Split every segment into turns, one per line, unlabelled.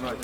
узнать,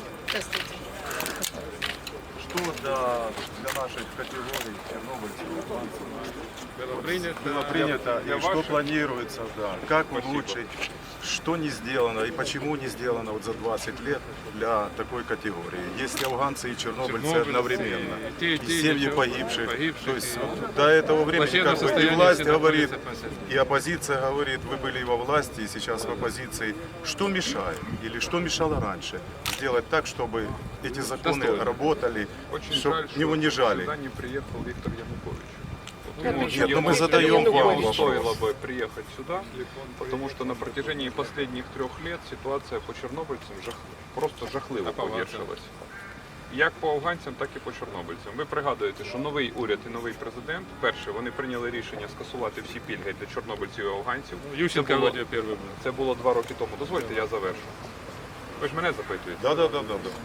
что для наших категорий чернобыльцев, было принято и что планируется, да, как улучшить, что не сделано и почему не сделано вот за 20 лет для такой категории. Если афганцы и чернобыльцы одновременно, и семьи погибших, то есть вот до этого времени как бы и власть говорит, и оппозиция говорит, вы были во власти и сейчас в оппозиции, что мешает или что мешало раньше сделать так, чтобы эти законы работали, чтобы не унижали.
Не приехал Виктор Янукович.
Нет, но мы задаем вам вопрос.
Стоило бы приехать сюда, потому что на протяжении последних 3 лет ситуация по чорнобильцям просто жахливо погіршилась. Як по афганцям, так і по чорнобильцям. Ви пригадуєте, що новий уряд і новий президент, перше, вони прийняли рішення скасувати всі пільги для чорнобильців і афганців. Це було 2 роки тому. Дозвольте, я завершу. Ви ж мене запитуєте?
Да.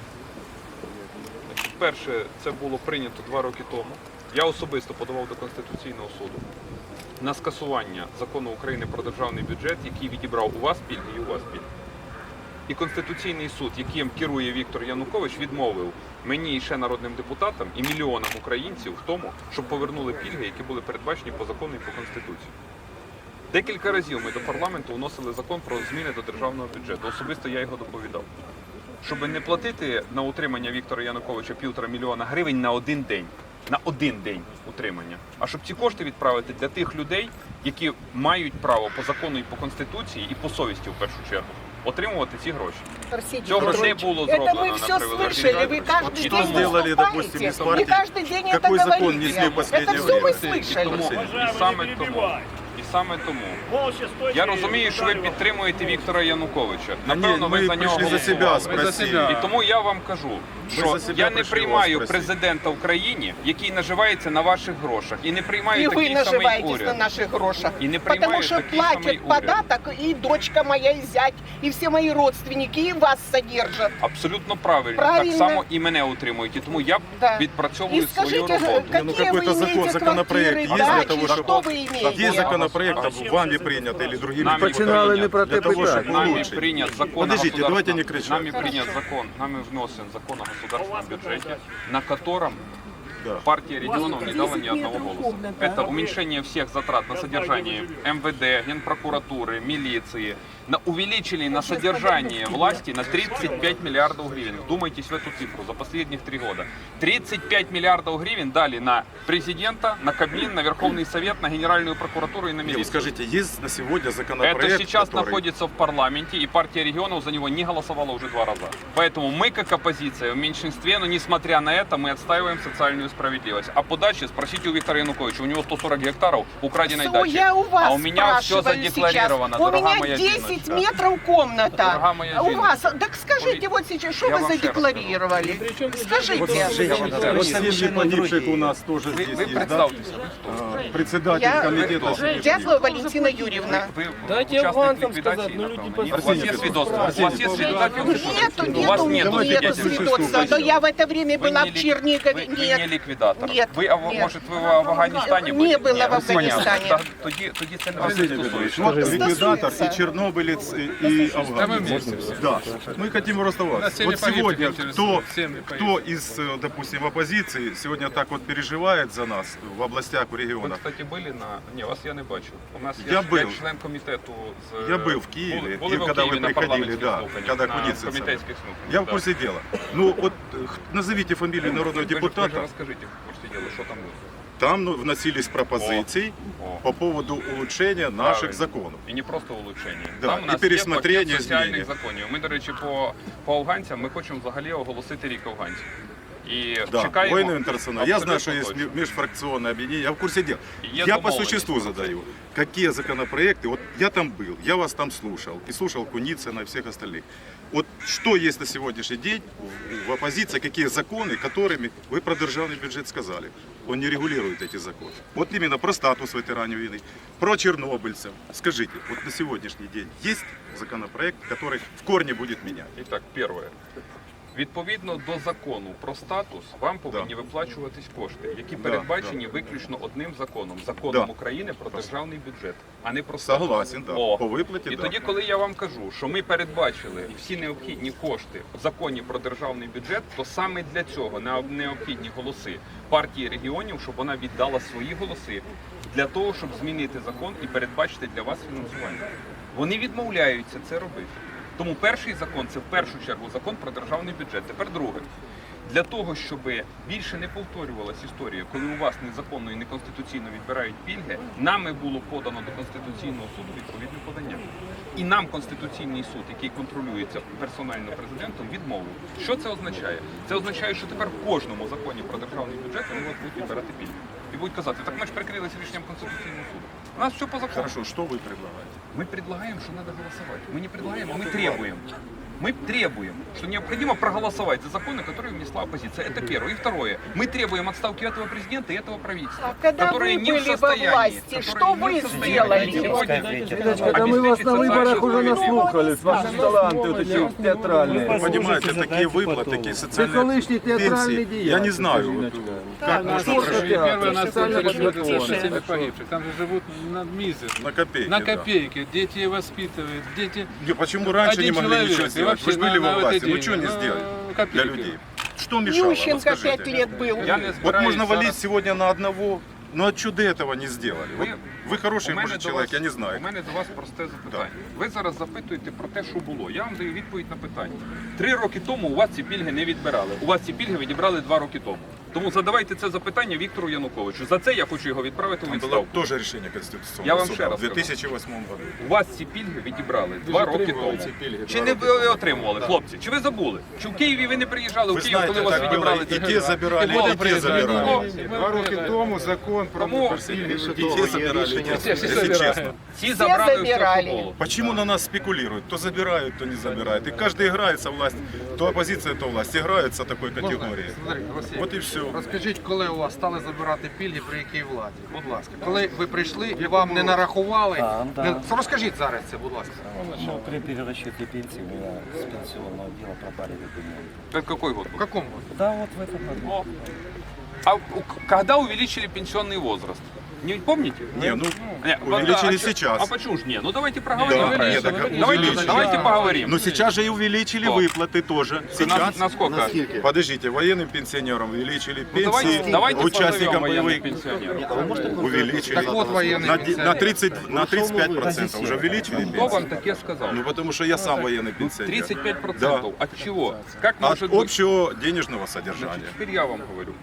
Перше, це було прийнято 2 роки тому. Я особисто подавав до Конституційного суду на скасування закону України про державний бюджет, який відібрав у вас пільги і у вас пільги. І Конституційний суд, яким керує Віктор Янукович, відмовив мені і ще народним депутатам і мільйонам українців в тому, щоб повернули пільги, які були передбачені по закону і по Конституції. Декілька разів ми до парламенту вносили закон про зміни до державного бюджету. Особисто я його доповідав. Щоб не платити на утримання Віктора Януковича 1,5 мільйона гривень на один день. На один день утримання. А щоб ці кошти відправити для тих людей, які мають право по закону і по Конституції, і по совісті в першу чергу, отримувати ці гроші. Цього не було зроблено.
Это мы все слышали, вы каждый
Что
день
сделали, допустим,
выступаете,
из партии?
вы каждый день это
Какой закон
говорите.
несли в последнее
Это все мы
время?
слышали.
І саме тому, я розумію, що ви підтримуєте Віктора Януковича.
Ні,
Напевно, ви
ми
за нього
прийшли за себе
голосували.
спросили.
І тому я вам кажу, що
за себе
я не
прийшли
приймаю
вас спросити.
президента в країні, який наживається на ваших грошах. І не приймаю
И вы
такий самий
наживаетесь на
уряд.
наших грошах.
И не
Потому
принимают
что
такие самые
платят
уряды.
податок и дочка моя, и зять, и все мои родственники, и вас содержат.
Абсолютно правильно.
Правильно.
Так само і мене утримують. І тому я
Да.
відпрацьовую
И
свою
скажите,
роботу.
какие
Ну,
вы
какой-то закон,
имеете
законопроект
квартиры,
есть для
дачи,
того,
что
чтобы-
вы имеете?
Есть законопроект, вами принят или другими
Нами
депутатами
прийнят.
для того, чтобы
Нами
улучшить.
принят закон
Подождите,
о
давайте не
государственном-
кричать.
Нами принят закон, нами внесен закон о государственном бюджете, на котором
Да.
партия регионов не дала ни одного голоса. Это уменьшение всех затрат на содержание МВД, Генпрокуратуры, милиции. Увеличили на содержание власти на 35 миллиардов гривен. Вдумайтесь в эту цифру за последних 3 года. 35 миллиардов гривен дали на президента, на Кабмин, на Верховный Совет, на Генеральную прокуратуру и на
Не, вы
милицию.
скажите, есть на сегодня законопроект,
Это сейчас
который...
находится в парламенте, и партия регионов за него не голосовала уже 2 раза. Поэтому мы, как оппозиция, в меньшинстве, но несмотря на это, мы отстаиваем социальную справедливость. А по даче спросите у Виктора Януковича, у него 140 гектаров украденной дачи.
Я у вас
А у меня все
спрашиваю
задекларировано,
сейчас. У
дорогая
меня
моя
10
Зиночка.
метров комната.
Дорогая моя
У вас,
Зиночка.
так скажите вот сейчас, что
Я
вы
вам ще раз
задекларировали? Скажите.
Вот семьи погибших у нас тоже здесь
Вы
есть, да?
представьтесь.
Председатель
Я
комитета семьи
Дятлова Валентина Юрьевна.
Вы
Дайте
участник
афганцам
ликвидации,
сказать, ну, люди
напевно, ні? У
Арсений
вас есть
Петрович,
свидетельство? У
Арсений
вас есть
Петрович.
свидетельство?
Нету,
У вас нет
нету
свидетельства.
свидетельства. Но я в это время
Вы
была
не
в
ли-
Чернигове.
Вы не
Нет.
ликвидатор.
Нет, нет.
Может, ви в Афганістані
Не
були?
было в
Ні, ну,
Афганістані.
понятно. Тоді це не
Арсений
стосується.
Петрович, вот ликвидатор
Стосуется.
и чернобылец, и афганец. Да, мы хотим просто вас. Вот сегодня кто из, допустим, оппозиции сегодня так вот переживает за нас в областях, в
Ви,
регионах?
кстати, були на... Ні, вас я не бачив. У нас
Я
є
был.
член комітету з...
Я был в Киеве,
Були
и
ви в
когда
Києві
вы
на
приходили,
парламентських
да,
слуханнях,
когда
на
Куницын.
комітетських слуханнях.
Я в
да.
курсе дела. Ну вот назовите фамилию народного
Ви ж
депутата.
розкажіть, в курсі діла, що там було.
Там вносились пропозиции
О.
по поводу улучшения наших законов.
І не просто улучшення.
Да,
Там у
і
нас
пересмотрення,
є пакет соціальних
зміни.
законів. Ми, до речі, по афганцям ми хочемо взагалі оголосити рік афганців. І
Да,
чекаємо.
военный интернационал. Я знаю,
Абсолютно
что есть
точно.
межфракционное объединение, я в курсе дела.
И есть
Я по
домовленность.
существу задаю. Какие законопроекты, вот я там был, я вас там слушал, и слушал Куницына и всех остальных. Вот что есть на сегодняшний день в оппозиции, какие законы, которыми вы про державный бюджет сказали, он не регулирует эти законы. Вот именно про статус ветеранов войны, про чернобыльцев. Скажите, вот на сегодняшний день есть законопроект, который в корне будет менять?
Итак, первое. Відповідно до закону про статус, вам повинні виплачуватись кошти, які передбачені виключно одним законом – законом України про державний бюджет, а не про статус.
Согласен, да.
О.
По виплаті,
І
да.
тоді, коли я вам кажу, що ми передбачили всі необхідні кошти в законі про державний бюджет, то саме для цього необхідні голоси партії регіонів, щоб вона віддала свої голоси для того, щоб змінити закон і передбачити для вас фінансування. Вони відмовляються це робити. Тому перший закон – це в першу чергу закон про державний бюджет. Тепер друге. Для того, щоб більше не повторювалася історія, коли у вас незаконно і неконституційно відбирають пільги, нами було подано до Конституційного суду відповідне подання. І нам Конституційний суд, який контролюється персонально президентом, відмовив. Що це означає? Це означає, що тепер в кожному законі про державний бюджет вони вас будуть відбирати пільги. І будуть казати, так ми ж прикрилися рішенням Конституційного суду. У нас все по закону.
Хорошо, что вы предлагаете?
Мы предлагаем, что надо голосовать. Мы не предлагаем, а мы требуем. Мы требуем, что необходимо проголосовать за законы, которые внесла оппозиция. Это первое. И второе. Мы требуем отставки этого президента и этого правительства,
А когда
которые
вы
не в
были во
состоянии,
власти,
которые
что
не
вы
в состоянии
сделали?
сегодня
Да мы вас на выборах уже
обеспечить
наслухались, ваши таланты вот эти вот театральные.
Вы понимаете, такие выплаты, такие
Це
социальные
колишній театральний
пенсии,
діяч.
я не знаю, вот, как можно
Сколько
прожить
театров?
Первое,
Специально
надо смотреть
подготовлено.
всеми погибших. Там же живут на мизер.
на копейки.
На
да.
копейки. Дети воспитывают. Дети...
Не, почему раньше не
Один
могли
человек,
ничего
и
сделать?
вообще
Вы же были
на
во
вот
власти,
эти,
ну что не сделали
копейки.
для людей? Что мешало?
Ющенко
Расскажите.
5 лет был.
Я не
Вот
збираюсь
можно валить
зараз-
сегодня на одного, но от чуда этого не сделали. Вот вы хороший,
у мене
может,
до
человек,
вас-
я не знаю.
У мене до вас просте запитання. Ви зараз запитуєте про те, що було. Я вам даю відповідь на питання. 3 роки тому у вас ці пільги не відбирали. У вас ці пільги відібрали 2 роки тому. Тому задавайте це запитання Віктору Януковичу. За це я хочу його відправити у
Там было
відставку.
тоже решение Конституционного
Я вам
суда
ще раз
в 2008 году.
У вас ці пільги відібрали 2 роки тому. Чи не ви отримували, хлопці? Чи ви забули? Чи в Києві ви не приїжджали
Вы
в Київ, коли
знаете,
у вас
так
відібрали
было,
ці
и
пільги?
те забирали,
О,
и те забирали.
2 роки тому закон про
Тому
И те забирали, и те,
Все
если
забирали.
честно.
ці забрали все,
забирали.
що було.
Почему на нас спекулируют? То забирают, то не забирают. И каждый играется в власть, то оппозиция, то власть. Играются такой категории.
Смотри, Василь,
Вот и все.
розкажіть, коли у вас стали забирати пільги, при якій владі? Будь ласка. Коли ви прийшли і вам не нарахували? Розкажіть зараз це, будь ласка.
Ну, при перерасчете пенсии у меня с пенсионного дела пропали документы.
Это какой год
В
был?
якому році?
Да, вот в этом году.
А когда увеличили пенсионный возраст? Не помните?
Не, ну,
Не,
увеличили
а чё-
сейчас.
А почему ж не? Ну давайте проговорим.
Да,
Давайте,
нет, так
давайте,
увеличили.
поговорим.
Но сейчас же и увеличили
Что?
выплаты тоже.
На,
Сейчас,
на сколько?
подождите, военным пенсионерам увеличили
Ну,
пенсии,
давайте
участникам
позовем военных
боевых
пенсионеров.
увеличили.
Так вот, военные
на,
пенсионеры.
на 30, на 35% уже увеличили
Кто вам
пенсии.
таке сказал?
Ну, потому что я сам военный пенсионер.
35%.
Да.
От чего? Как
От
может быть?
общего денежного
Значит,
содержания.
теперь я вам говорю.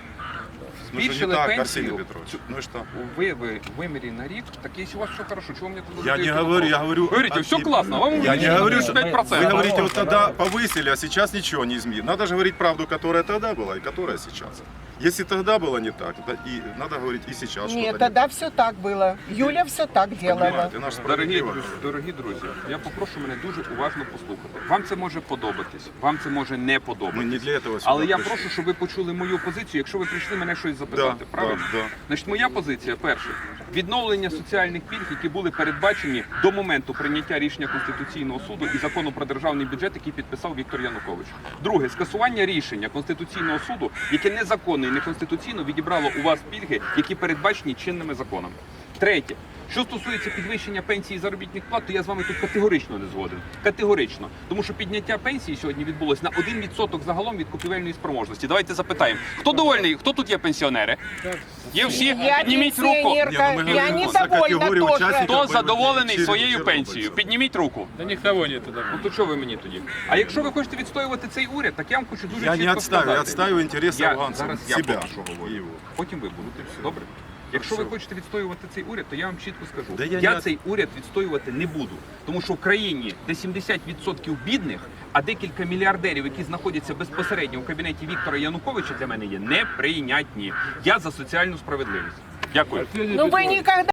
Ну, что не
Збільшили
так,
пенсію.
Арсений Петрович. Ну и что?
Ви вимірі на рік, так якщо у вас все хорошо, чего вы мне тут
Я не
задаете
говорю,
вопрос?
я говорю...
Вы говорите, все классно, вам
Я не
увеличили
говорю, что...
35%.
Вы говорите, вот тогда повысили, а сейчас ничего не изменили. Надо же говорить правду, которая тогда была и которая сейчас. Если тогда было не так, то и надо говорить и сейчас.
Нет,
что-то
тогда все так было. Юля все так
не так.
делала.
Понимаете, наш
Дорогі друзі, я попрошу мене дуже уважно послухати. Вам це може подобатись, вам це може не
Мы
подобатись.
не для этого сюда
Але я
пришли.
прошу, щоб ви почули мою позицію, якщо ви прийшли мене щось
Да,
запитати. Правильно?
да.
Значить, моя позиція перше. Відновлення соціальних пільг, які були передбачені до моменту прийняття рішення Конституційного суду і закону про державний бюджет, який підписав Віктор Янукович. Друге, скасування рішення Конституційного суду, яке незаконно і неконституційно відібрало у вас пільги, які передбачені чинними законами. Третє. Що стосується підвищення пенсії і заробітних плат, то я з вами тут категорично не згоден. Категорично. Тому що підняття пенсії сьогодні відбулось на 1% загалом від купівельної спроможності. Давайте запитаємо. Хто довольний? Хто тут є пенсіонери? Є всі?
Я
Підніміть руку.
пенсионерка,
Не, ну мы
я
говорим за категорию
недовольна тоже.
участников.
Хто задоволений
Через
своєю
Чорнобиль.
пенсією? Підніміть руку.
Да никого нет туда.
Ну то що ви мені тоді? А якщо ви хочете відстоювати цей уряд, так я вам хочу дуже
Я
чітко
не отстаю, я
сказати.
отстаю интересы
Я
афганцев,
зараз я
себя
поки що говорю.
и его.
Потім ви будете. Добре? Якщо ви хочете відстоювати цей уряд, то я вам чітко скажу.
Да я
Я
не-
цей уряд відстоювати не буду. Тому що в країні, де 70% бідних, а декілька мільярдерів, які знаходяться безпосередньо в кабінеті Віктора Януковича, для мене є неприйнятні. Я за соціальну справедливість. Дякую.
Ну вы никогда